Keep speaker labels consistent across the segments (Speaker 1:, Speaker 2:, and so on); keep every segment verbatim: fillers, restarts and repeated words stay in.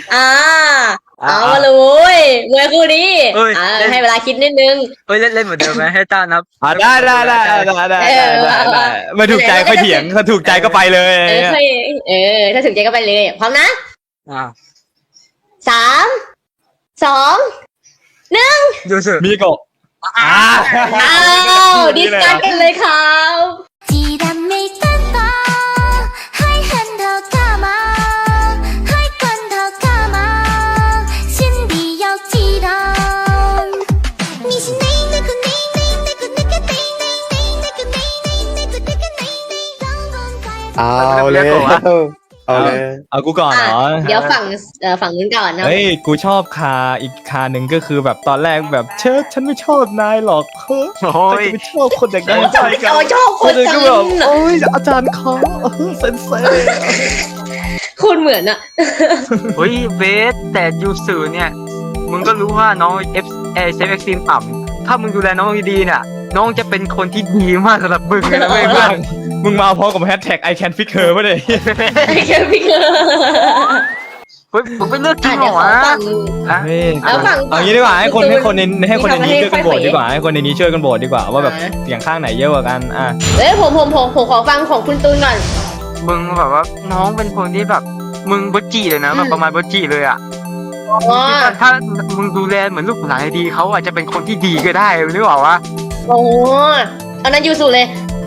Speaker 1: อ่า
Speaker 2: อ่า
Speaker 1: เอามาเลยเว้ยมวยคู่นี้
Speaker 2: เอ้ย
Speaker 1: อ่า
Speaker 2: เล่น
Speaker 1: ให้เวลาคิดนิดนึง
Speaker 2: เฮ้ยเล่นเล่นเหมือนเดิมไหมให้ต้านับ
Speaker 3: อ่าได้ได้ได้ได้ได้ได้
Speaker 1: เออ
Speaker 3: ได้
Speaker 1: ว่า
Speaker 3: ได้
Speaker 1: ว่า
Speaker 3: ไม่ถูกใจค่อยเถียงถ้าถูกใจก็ไปเลย
Speaker 1: เออค่อยเออ ถ้าถึงใจก็ไปเลย พร้อมนะ
Speaker 2: อ่า
Speaker 1: สามสองหนึ่ง
Speaker 2: ยูสึ
Speaker 3: มีโกะอ่า
Speaker 1: อ้าวดิสกันกันเลยครับ
Speaker 4: 既然没等到，还恨头干嘛？还管他干嘛？心里要记得。你是哪那个哪哪那个那个哪哪哪那个哪哪那个那个哪哪让人在。
Speaker 5: เอาเลยเอาเลย
Speaker 3: เอากูก่อนเหรอ
Speaker 1: เดี๋ยวฝั่งเอ่อฝั่งนู้นก่อนเนาะ
Speaker 3: เฮ้ยกูชอบคาอีกคาหนึ่งก็คือแบบตอนแรกแบบเชิดฉันไม่ชอบนายหรอกเฮ้ย
Speaker 2: โอ้ย
Speaker 3: จะไม่ชอบคนอย่างนั้น
Speaker 1: ชอบ
Speaker 3: ใช่
Speaker 1: ชอบชอบคน
Speaker 3: เลย
Speaker 1: จั
Speaker 3: ก็
Speaker 1: ง
Speaker 3: แบบโอ้ยอาจารย์เขาเออเซนเซ่
Speaker 1: คุณเหมือนอะ
Speaker 2: เฮ้ยเบสแต่ยูสึเนี่ยมึงก็รู้ว่าน้องเอฟเอเซฟเอ็กซ์ซีมต่ำถ้ามึงดูแลน้องดีๆเนี่ยน้องจะเป็นคนที่ดีมากสำหรับมึงเลยนะเว้ยเพื่อน
Speaker 3: มึงมาพร้อมกับแฮชแท็ก I can fix her ป่ะเนี่ย
Speaker 1: ไอ้แค่พี่เกอร์
Speaker 2: เฮ้ยมึงไปเลือกจริ
Speaker 1: อ่ะ
Speaker 2: งเหร
Speaker 1: เดี๋ยว
Speaker 2: อ
Speaker 1: ขอ
Speaker 2: วะ
Speaker 1: ฝั่ง
Speaker 2: อ่ะ
Speaker 3: เฮ้ย
Speaker 1: เอาฝั่ง
Speaker 3: เอางี้ดีกว่าให้คนให้คนในให้คนในนี้
Speaker 1: ให้
Speaker 3: ช่วยกันโหวต
Speaker 1: ให้
Speaker 3: ดีกว่าให้คนในนี้ช่วยกันโหวตดีกว่าว่าแบบ
Speaker 1: อ่า
Speaker 3: เสียงข้างไหนเยอะกว่ากันอ่ะ
Speaker 1: เอ้ยผมผมผมผมขอฟังของคุณตูนก่อน
Speaker 2: มึงแบบว่าน้องเป็นคนที่แบบมึงบดจีเลยนะแบบประมาณบดจีเลยอ่ะ
Speaker 1: อ๋อ
Speaker 2: ถ้ามึงดูแลเหมือนลูกหลานดีเขาอาจจะเป็นคนที่ดีก็ได้หรือเปล่าวะ
Speaker 1: โอ้อันนั้นยูสุเลย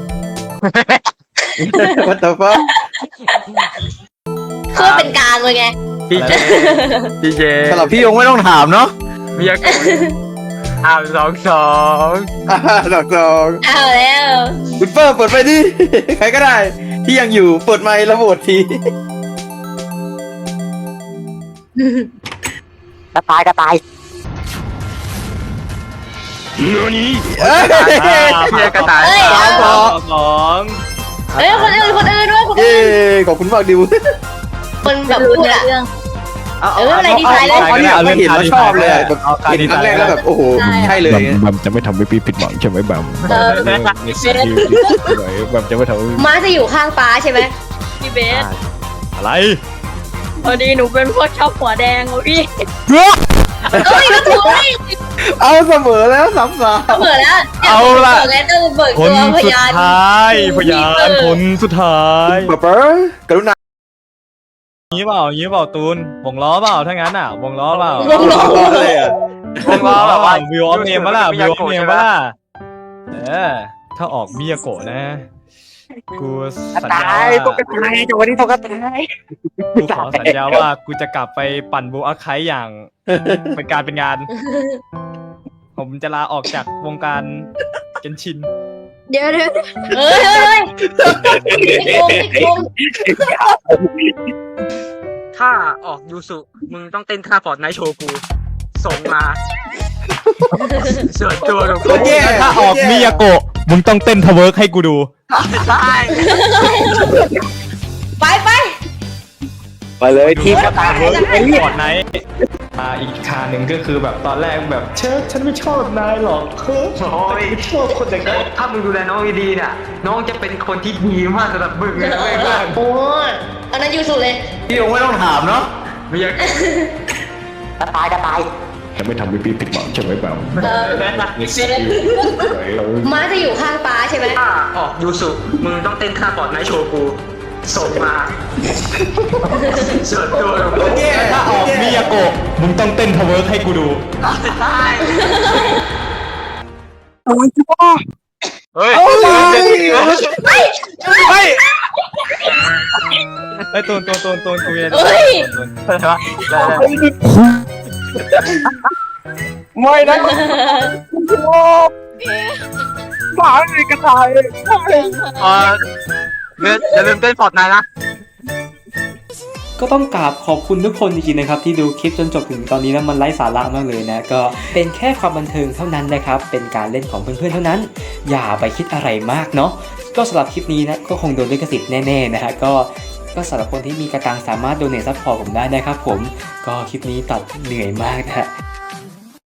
Speaker 5: วัตถุฟ้า
Speaker 1: คือเป็นกลางเลยไง
Speaker 2: พี่เจพี่เจ
Speaker 5: สำหรับพี่ยงไม่ต้องถามเนาะ
Speaker 2: มีอาการอ้าวสองสอง
Speaker 5: อ่าดอกสอง
Speaker 1: เอาแล้ว
Speaker 5: คุณเฟิร์มเปิดไฟดิใครก็ได้ ที่ยังอยู่เปิดไมค์แล้วโหวตที
Speaker 2: กระต่ายกระต่าย
Speaker 5: เอ้ย
Speaker 2: เพียกระต่าย
Speaker 1: เอ้ย
Speaker 5: สามสอง
Speaker 3: สอง
Speaker 1: เอ้ยคนอื่นคนอื่นด้วยคน
Speaker 5: เย้
Speaker 1: อื่น
Speaker 5: ขอบคุณมากดิว
Speaker 1: คนแบบพูดอะ
Speaker 5: เอา
Speaker 1: เอออะไรดีไซน์เลย
Speaker 5: เอาเนี่ยไม่เห็นแล้วชอบเลยอะแบบ
Speaker 3: เอาคา
Speaker 5: เห็น
Speaker 3: ดี
Speaker 5: ครั้งแรกแล้วแบบโอ้โหใช่เลย
Speaker 6: แบมแบมจะไม่ทำให้พี่ผิดหวังใช่ไหมแบมแบมแบมจะไม่ทำให้
Speaker 1: ม้าจะอยู่ข้างป้าใช่ไหม
Speaker 7: พี่เบส
Speaker 3: อะไร
Speaker 7: พอดีหนูเป็นพวกชอบหัวแดงอะพี่
Speaker 1: เอ้ยก็ถูก
Speaker 5: เอาเสมอแล้วสามสาม
Speaker 1: เปิดแล้ว
Speaker 3: เอาล่ะ
Speaker 1: เปิดแล้วต้องเบิก
Speaker 3: ค
Speaker 1: ตั
Speaker 3: น
Speaker 1: วพ
Speaker 3: สุด
Speaker 1: ยาน
Speaker 3: ท้ายพยานคนสุดท้าย
Speaker 5: ป๊าป๊ากรุณา
Speaker 3: งี้เปล่างี้เปล่าตูนวงล้อเปล่าถ้างั้นอ่ะวงล้อเปล่า
Speaker 1: วงล้อ
Speaker 5: เลยอ่ะ
Speaker 3: วงล้อแบบว่าวิวออฟเนมปะล่ะวิวออฟเนมปะล่ะเออถ้าออกมิยาโกะนะกูสัญญาว่า
Speaker 2: ตายจังวันนี้ตกกระต่าย
Speaker 3: กูขอสัญญาว่ากูจะกลับไปปั่นบูอาไคอย่างเป็นการเป็นงาน ผมจะลาออกจากวงการเกนชิน
Speaker 7: เดี๋ยวเดี๋ยว
Speaker 1: เฮ้ยเฮ้ยเฮ้ยติดโกงติดโกง
Speaker 2: ถ้าออกยูสุมึงต้องเต้นท่าฟอร์ดไนท์โชว์กูส่งมาส่วนตัวของกู
Speaker 5: โอเค
Speaker 3: แล้วถ้าออกมิยาโกะมึงต้องเต้นทะเวิร์กให้กูดู
Speaker 2: ได้
Speaker 1: ไปไป
Speaker 5: ไปเลยทีม
Speaker 3: ทะเวิร์กฟอร์ดไนท์อ่าอีกคาหนึ่งก็คือแบบตอนแรกแบบเชิดฉันไม่ชอบนายหรอกเฮ้ย
Speaker 2: โอ้ย
Speaker 3: ไม่ชอบคนอย่างนั้น
Speaker 2: ถ้ามึงดูแลน้องดีๆเนี่ยน้องจะเป็นคนที่ดีมากสำหรับมึงเลยนะเว้ยเพื่อน
Speaker 1: โอ้อันนั้นยูสุเลย
Speaker 5: พี่ยงไม่ต้องถามเนาะ
Speaker 2: มีอาการกระต่ายกระต่าย
Speaker 6: จะไม่ทำให้พี่ผิดหวังใช่ไหมแบม
Speaker 1: เออม้าจะอยู่ข้างป้าใช่ไหม
Speaker 2: ถ้าออกยูสุมึงต้องเต้นท่าฟอร์ดไนท์โชว์กูส่งมาส่วนตัวของกู
Speaker 3: ถ้าออกมิยาโกะมึงต้องเต้นทะเวิร์กให้กูดู
Speaker 2: ได้
Speaker 3: เฮ้ย
Speaker 2: เฮ้ย
Speaker 3: เฮ้ยไอ้ตูนตูนตูนตูนกูยัง
Speaker 1: เฮ้ย
Speaker 5: ไม่นะ
Speaker 2: เอออย่าลืมเต้นฟอร์ดไนท์นะ
Speaker 8: ก็ต้องกราบขอบคุณทุกคนจริงๆนะครับที่ดูคลิปจนจบถึงตอนนี้นะมันไร้สาระมากเลยนะก็เป็นแค่ความบันเทิงเท่านั้นนะครับเป็นการเล่นของเพื่อนๆเท่านั้น อย่าไปคิดอะไรมากเนาะก็สำหรับคลิปนี้นะก็คงโดนลิขสิทธิ์แน่ๆนะฮะก็ก็สำหรับคนที่มีกระตังสามารถโดเนทซัพพอร์ตผมได้นะครับผมก็คลิปนี้ตัดเหนื่อยมากนะฮะ